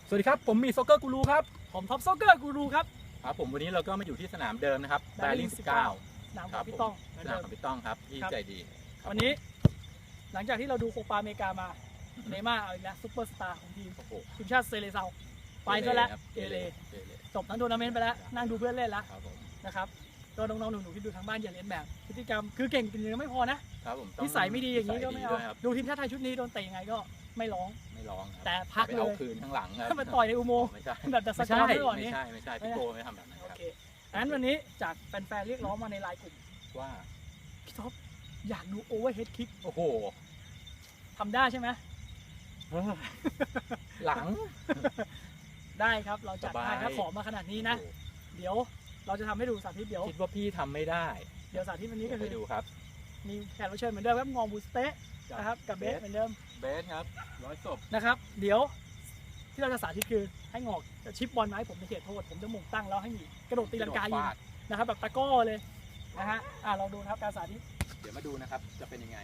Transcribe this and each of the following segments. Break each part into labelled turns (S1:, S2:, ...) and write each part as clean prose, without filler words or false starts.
S1: สวัสดีครับผมมีซ็อกเกอร์กูรูครับ
S2: ผมท็อปซ็อกเกอร์กูรูครับ
S1: ครับผมวันนี้เราก็มาอยู่ที่สนามเดิมนะครับแบริ่ง19
S2: สนามของพี่ต้อง
S1: สนามของพี่ต้องครับที่ใจดี
S2: วันนี้หลังจากที่เราดูโคปาอเมริกามาเนย์ม่าร์เอาอีกแล้วซุปเปอร์สตาร์ของทีมชาติเซเลเซาไปซะแล้วเอเลจบทั้งทัวร์นาเมนต์ไปแล้วนั่งดูเพื่อนเล่นแล้วนะครับก็น้องๆหนูๆที่ดูทางบ้านอย่าเลียนแบบพฤติกรรมคือเก่งจริงๆไม่พอนะนิสัยไม่ดีอย่างนี้ก็ไม่เอาดูทีมชาติไทยชุดนี้โดนเตะยังไงก็ไม่ร้องแต่พักเลย
S1: เอาคืนข้างหลัง
S2: มาต่อยในอุโมงค์แบบดัชสกอร์ไม่ก่อนนี้
S1: ไม่ใช่พี่โกไม่ทำแบบนั้นครับ
S2: งั้นวันนี้จากแฟนๆเรียกร้องมาในไลน์กลุ่ม
S1: ว่า
S2: พี่ท็อปอยากดูโอเวอร์เฮดคิก
S1: โอ้โห
S2: ทำได้ใช่ไหม
S1: หลัง
S2: ได้ครับเราจัดให้ถ้าขอมาขนาดนี้นะเดี๋ยวเราจะทำให้ดูสาธิตเดี๋ยว
S1: คิดว่าพี่ทำไม่ได้
S2: เดี๋ยวสาธิตวันนี้ก็คือ
S1: ดูครับ
S2: มีแขกรับเชิญเหมือนเดิมครับงอบูสเต้นะครับกับเบสเหมือนเดิม
S1: เบสครับ100 ศพ
S2: นะครับเดี๋ยวที่เราจะสาธิตคือให้งอกจะชิปบอลมาให้ผมในเขตโทษผมจะหม่งตั้งแล้วให้หนีกระโดดตีลังกายิงนะครับแบบตะก้อเลยนะฮะลองดูครับการสาธิต
S1: เดี๋ยวมาดูนะครับจะเป็นยังไง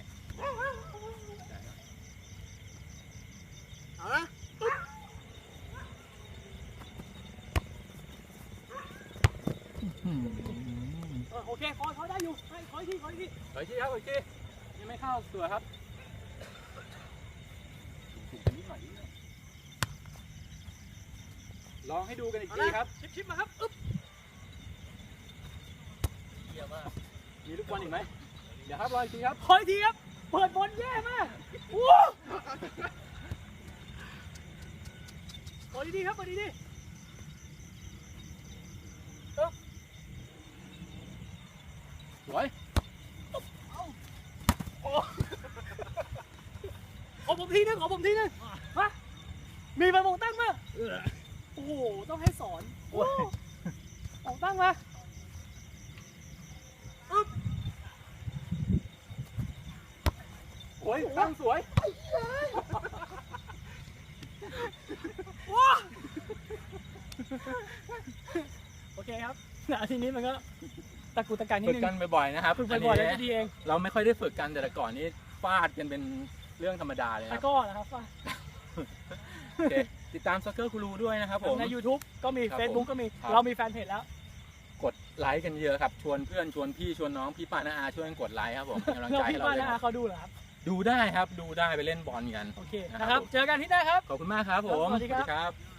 S2: โอเคขอได้อยู่ขออีกทีครับอีกที
S1: ยังไม่เข้าตัวครับถูกกันนิดหน่อยลองให้ดูกันอีกทีครับ
S2: ชิปมาครับ
S1: เยี่ยมมากมีลูกบอลอีกไหมเดี๋ยวครับรออีกทีครับ
S2: ขออีกทีครับเปิดบอลแย่มากขอดีๆครับขอดีๆ
S1: สวย
S2: ขอผมทีนึงฮะมีมามองตั้งมาโอ้โหต้องให้สอนมองตั้งมา
S1: โอ้ยตั้งสวย
S2: โอเคครับทีนี้มันก็ตะกุตะกักนิดนึง
S1: ฝึกกันบ่อยๆนะครับ
S2: ฝึกบ่อยๆแล้วจะดีเอง
S1: เราไม่ค่อยได้ฝึกกันแต่ก่อนนี้ฟาดกันเป็นเรื่องธรรมดาเลย
S2: ตะก้อนะครับฟาด
S1: โอเคติดตามซ็อกเกอร์กูรูด้วยนะครับผม
S2: ใน YouTube ก็มี Facebook ก็มีเรามีแฟนเพจแล้ว
S1: กดไลค์กันเยอะครับชวนเพื่อนชวนพี่ชวนน้องพี่ป้าน้าอาช่วยกันกดไลค์ครับผมกำลังใจให้เรา
S2: พี่ป้าน้าอาเขาดูเหรอครับ
S1: ดูได้ครับดูได้ไปเล่นบอลกัน
S2: โอเคนะครับเจอกันที่ได้ครับ
S1: ขอบคุณมากครับผม
S2: สวัสดีครับ